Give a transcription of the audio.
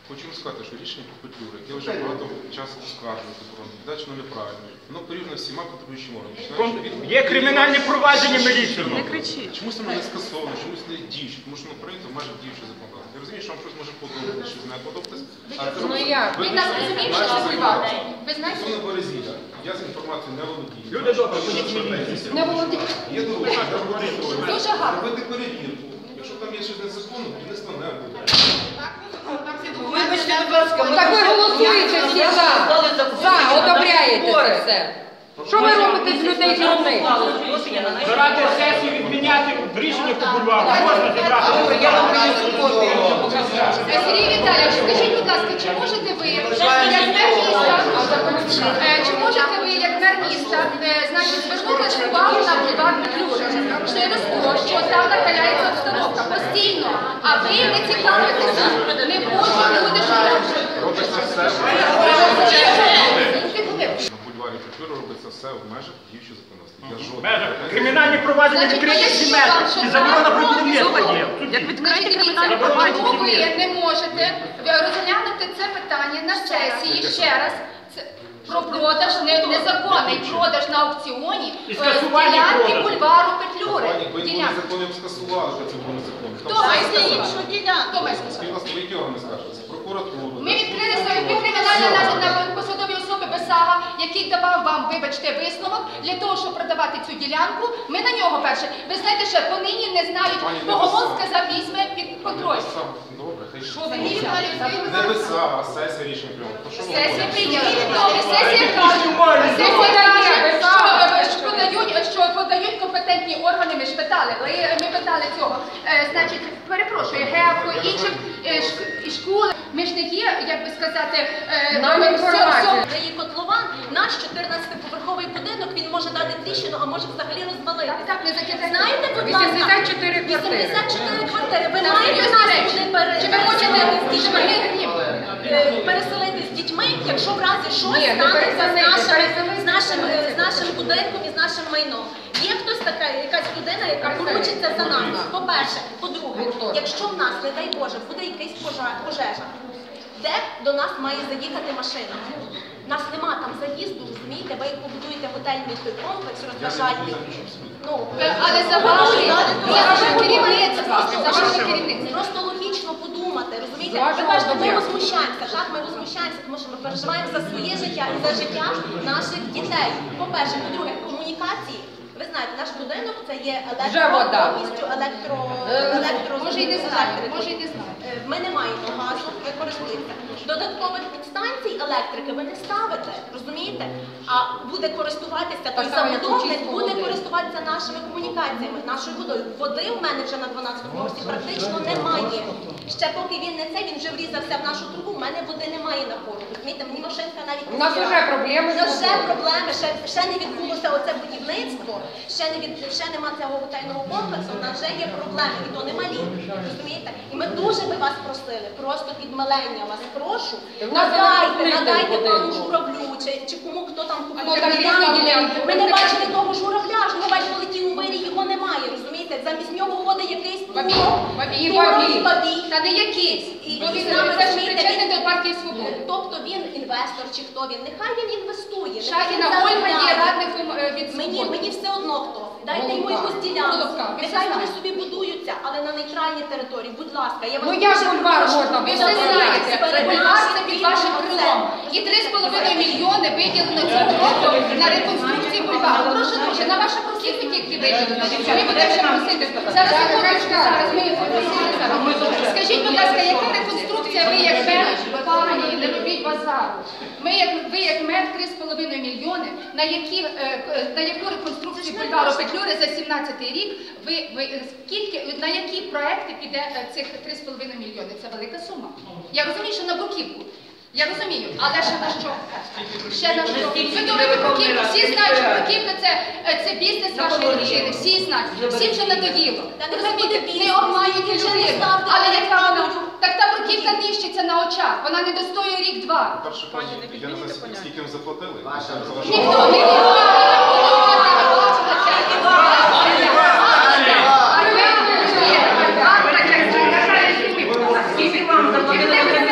Хочу вам сказати, що рішення по Петлюри, яке вже багато часу оскаржується, передачено неправильно, воно порівняно всіма контролюючими органами. Є кримінальні провадження міліції. Не кричіть. Чомусь воно не скасовано, чомусь не діюче, тому що воно прийнято майже діюче законодавство. Я розумію, що вам щось може подобатися, щось не подобатися. Ну як? Ви нас розумієте, що це бульвар? Ви знаєте? Стосовно Березіля, я з інформацією не володію. Люди добре, ходіть міліцію. Не володіє. Є дорога, Дуже гарно. робити перевірку. Якщо там є щось незаконне, будівництва не буде. Вибачте, будь ласка, Так ви голосуєте всі за, одобряєте це все. Що ви робите з людей дурних? Ради сесії відміняти рішення по бульвару. Можна зібрати. Сергій Віталійович, скажіть, будь ласка, чи можете ви, як мер міста, значить, звернути увагу на бульвар Петлюри? Через те, що там накаляється обстановка постійно, а ви не цікавитеся, не можуть люди жити. Робиться все. На бульварі Петлюри робиться все в межах діючого законодавства. Кримінальні провадження відкриті всі межі. І заборона про будівництво є. Як відкриті кримінальні Чому провадження? ви не можете розглянути це питання на сесії ще раз? Про продаж, незаконний продаж на аукціоні ділянки бульвару Петлюри. Якби були закони, я б скасували, що це було незаконно. Хто має сказати? Хто має сказати? Скільки вас великі органи скажуть? Прокуратуру. Ми відкрили свою кримінальну на посадові особи Бесага, який давав вам, вибачте, висновок для того, щоб продавати цю ділянку. Ми на нього перше. Ви знаєте, що понині не знають, Богомол сказав, візьме під контроль. Добре, хай Що ви не не Бесага, а сесія рішення прийняла. Сесія прийняла. Сесія каже, що подають компетентні органи, ми ж питали, ми питали цього. Значить, перепрошую, ГЕАП, інші школи, ми ж не є, як би сказати, Це є котлован, наш 14-поверховий будинок, він може дати тріщину, а може взагалі розвалити. Так, не закидайте. Знаєте, будь ласка, 84 квартири. 84 квартири. Ви маєте нас туди Чи ви хочете переселити з дітьми, якщо в разі щось станеться з нашим будинком і з нашим майном. Є хтось така, якась людина, яка поручиться за нами. По-перше. По-друге, якщо в нас, не дай Боже, буде якась пожежа, де до нас має заїхати машина? У нас нема там заїзду, розумієте? Ви побудуєте готельний той комплекс, розважальний. Але за ваше керівництво. Просто логічно подумати, розумієте? Ви бачите, ми возмущаємося, так? Ми возмущаємося, тому що ми переживаємо за своє життя і за життя наших дітей. По-перше. По-друге, комунікації. Ви знаєте, наш будинок це є повністю Може і не знаєте. Ми не маємо газу, ви користуєтеся. Додаткових підстанцій електрики ви не ставите, розумієте? А буде користуватися, той забудовник буде користуватися нашими комунікаціями, нашою водою. Води в мене вже на 12-му поверсі практично немає. Ще поки він не це, він вже врізався в нашу трубу, в мене води немає напору. Розумієте, мені машинка навіть не У нас вже проблеми. У нас вже проблеми, ще не відбулося оце будівництво, ще нема цього готельного комплексу, у нас вже є проблеми, і то не малі, розумієте? І ми дуже би вас просили, просто підмилення вас прошу, надайте пану Журавлю, чи кому хто там купує ділянку. Ми не бачили того Журавля, Журавель полетів у вирі, його немає, розумієте? Замість нього ходить якийсь бабій. Та не якийсь. Бо він теж причетний до партії «Свободи». Тобто він інвестор чи хто він, нехай він інвестує. Шахіна Ольга є радником від «Свободи». Мені все одно хто. Дайте йому якусь ділянку. Нехай вони собі будуються, але на нейтральній території. Будь ласка, я вас як бульвар можна? Ви все знаєте. Бульвар це під вашим крилом. І 3,5 мільйони виділено цього року на реконструкцію бульвару. Прошу дуже, на вашу просітку тільки виділено. Ми будемо ще просити. Зараз ми їх попросили зараз. Скажіть, будь ласка, яка реконструкція ви як мер? Пані, не робіть базару. Ви як мер 3,5 мільйони, на яку реконструкцію бульвару Петлюри за 17-й рік, на які проекти піде цих 3,5 мільйони? Це велика сума. Я розумію, що на бруківку. Я розумію, але ще на що? Ще на що? Ви думаєте, бруківку? Всі знають, що бруківка це бізнес вашої дружини. Всі знають. Всім вже надоїло. Розумієте, не обманюйте людину. Але яка вона? Так та бруківка нищиться на очах. Вона не достоює рік-два. Перше, я не знаю, скільки їм заплатили. Ніхто не Скільки вам заплатили?